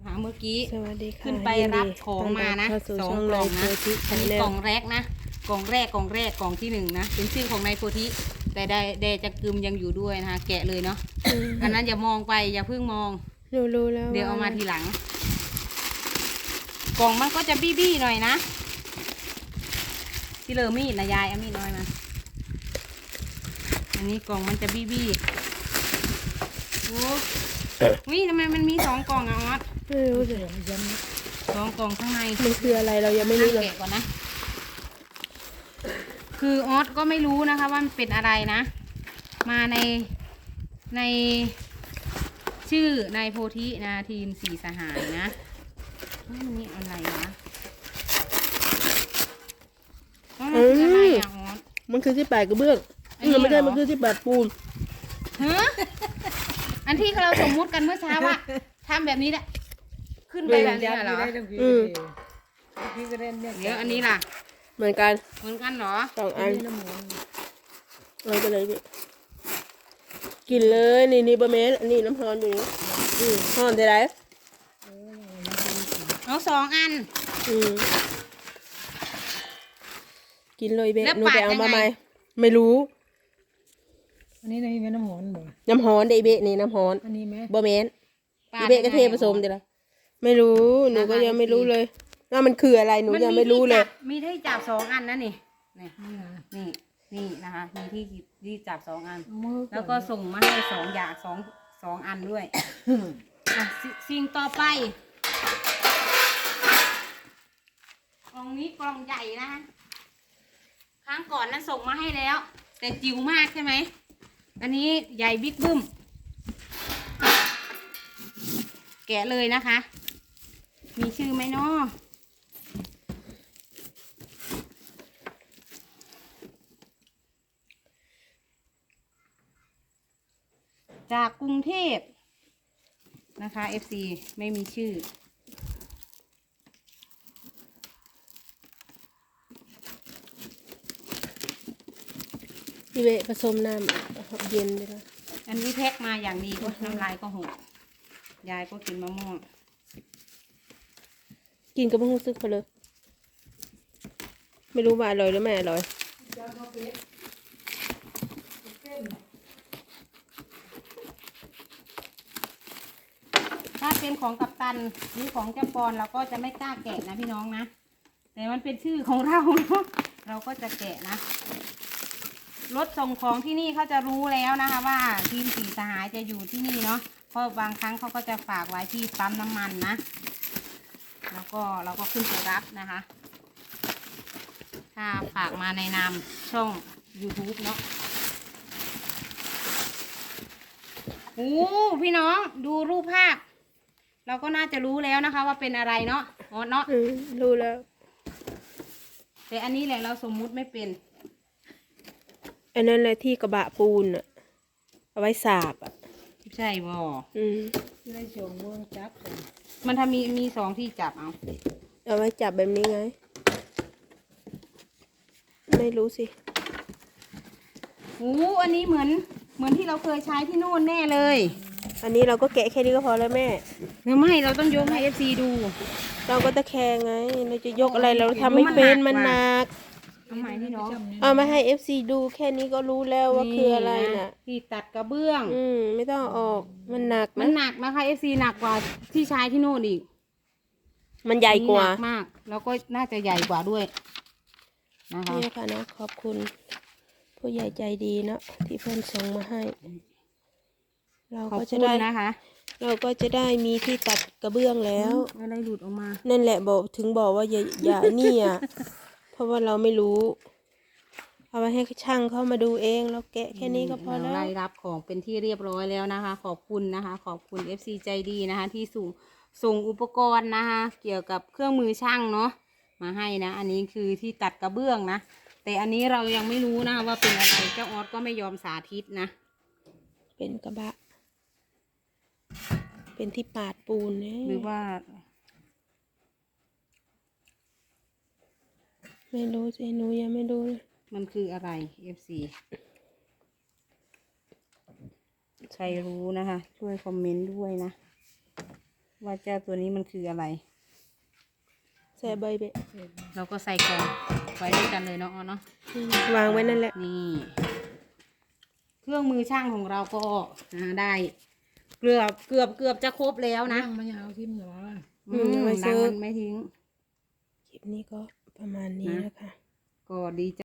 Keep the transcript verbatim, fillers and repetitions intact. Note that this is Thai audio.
หาเมื่อกี้สวัสดีค่ะขึ้นไปรับของมานะสองกล่องนะอันนี้กล่องแรกนะกล่องแรกกล่องแรกกล่องที่หนึ่งนะเป็นชื่อของนายโพธิแต่ได้แดจะกึมยังอยู่ด้วยนะคะแกะเลยเนาะอันนั้นอย่ามองไปอย่าเพิ่งมองรู้รู้แล้วเดี๋ยวเอามาทีหลังกล่องมันก็จะบี้บี้หน่อยนะที่เลอมีดนะยายเอามีดน้อยมาอันนี้กล่องมันจะบี้บี้โอ้วิทำไมมันมีสองกล่องอะออสไม่รู้สิสองกล่องข้างในมันคืออะไรเรายังไม่รู้เลยแกะก่อนนะคือออสก็ไม่รู้นะคะว่ามันเป็นอะไรนะมาในในชื่อนายโพธินะทีมสี่สหายนะนี่อะไรวะมันคืออะไรอ่ะออสมันคือที่ปลายกระเบื้องมันไม่ได้มันคือที่ปลายปูนฮะอันที่เราสมมุติกันเมื่อเช้าว่าทำแบบนี้แหละขึ้นไปแบบนี้เหรออืมเดี๋ยวอันนี้ล่ะเหมือนกันเหมือนกันเหรอสองอันเราไปเลยพี่กินเลยนี่นี่บะเมสอันนี้น้ำฮอนอยู่นี่อืมฮอนได้ไรเอาสองอันอืมกินเลยเบะหนูไปเอามาไหมไม่รู้อันนี้นี่เป็นน้ำหอมบ่น้ำฮอนได้เบะนี่น้ำฮอนอันนี้ไหมบะเมสอีเบะก็เทผสมเดี๋ยวละไม่รู้หนูก็ยังไม่รู้เลยว่ามันคืออะไรหนูยังไม่รู้เลยมีที่จับสองอันนะนี่นี่นี่นี่นะคะมีที่ที่จับสองอันแล้วก็ส่งมาให้สองอย่างสองสองอันด้วยอ่ะสิ่งต่อไปกล่องนี้กล่องใหญ่นะครั้งก่อนนั้นส่งมาให้แล้วแต่จิ๋วมากใช่ไหมอันนี้ใหญ่บิ๊กบึ้มแกะเลยนะคะมีชื่อไหมเนาะจากกรุงเทพนะคะ เอฟ ซี ไม่มีชื่ออีเบะผสมน้ำเย็นเลยนะอันนี้แพ็คมาอย่างดีก็น้ำลายก็หกยายก็กินมะม่วงกินกับมะม่วงซึกไปเลยไม่รู้ว่าอร่อยหรือไม่อร่อยถ้าเป็นของกัปตันหรือของเจ้าปอนเราก็จะไม่กล้าแกะนะพี่น้องนะแต่มันเป็นชื่อของเราเนาะเราก็จะแกะนะรถส่งของที่นี่เขาจะรู้แล้วนะคะว่าทีมสี่สหายจะอยู่ที่นี่เนาะเพราะบางครั้งเขาก็จะฝากไว้ที่ปั๊มน้ำมันนะแล้วก็เราก็ขึ้นไปรับนะคะถ้าฝากมาในนามช่อง ยูทูบ เนาะโอ้พี่น้องดูรูปภาพเราก็น่าจะรู้แล้วนะคะว่าเป็นอะไรเนาะอ๋อเนาะรู้แล้วแต่อันนี้แหละเราสมมุติไม่เป็นอันนั้นแหละที่กระบะปูนอะเอาไว้สาบอะใช่บ่อืมได้ชงเมืองจับมันทำมีมีสองที่จับเอาเอาไว้จับแบบนี้ไงไม่รู้สิโอ้อันนี้เหมือนเหมือนที่เราเคยใช้ที่โน่นแน่เลยอันนี้เราก็แกะแค่นี้ก็พอแล้วแม่ไม่เราต้องยกให้เอฟซีดูเราก็ตะแคงไงเราจะยกอะไรเราทำไม่เป็นมันหนักเอาใหม่พี่น้องเอามาให้เอฟซีดูแค่นี้ก็รู้แล้วว่าคืออะไรน่ะที่ตัดกระเบื้องอืมไม่ต้องออกมันหนักมันหนักนะคะเอฟซีหนักกว่าที่ใช้ที่โน่นอีกมันใหญ่กว่ามากแล้วก็น่าจะใหญ่กว่าด้วยนะคะนี่ค่ะนะขอบคุณผู้ใหญ่ใจดีเนาะที่เพื่อนส่งมาให้เราก็จะได้นะคะเราก็จะได้มีที่ตัดกระเบื้องแล้วอะไรหลุดออกมานั่นแหละบอกถึงบอกว่าอย่าอย่านี่อ่ะเพราะว่าเราไม่รู้เอาไปให้ช่างเข้ามาดูเองเราแกะแค่นี้ก็พอแล้วได้รับของเป็นที่เรียบร้อยแล้วนะคะขอบคุณนะคะขอบคุณ เอฟ ซี ใจดีนะคะที่ส่งส่งอุปกรณ์นะคะเกี่ยวกับเครื่องมือช่างเนาะมาให้นะอันนี้คือที่ตัดกระเบื้องนะแต่อันนี้เรายังไม่รู้นะว่าเป็นอะไรเจ้าออสก็ไม่ยอมสาธิตนะเป็นกระบะเป็นที่ปาดปูนเนี่ยหรือว่าไม่รู้สิหนูยังไม่รู้เลยมันคืออะไร เอฟ ซี ใครรู้นะคะช่วยคอมเมนต์ด้วยนะว่าเจ้าตัวนี้มันคืออะไรใส่ใบเบะเราก็ใส่กล่องไว้ด้วยกันเลยเนาะเนาะอืมวางไว้นั่นแหละนี่ เครื่องมือช่างของเราก็อ่าได้ เกือบเกือบเกือบจะครบแล้วนะนั่งมันยาวทิ่มเหรออืมไว้ดัซื้งอมันไม่ทิ้งคลิปนี้ก็ประมาณนี้นะคะก็ดี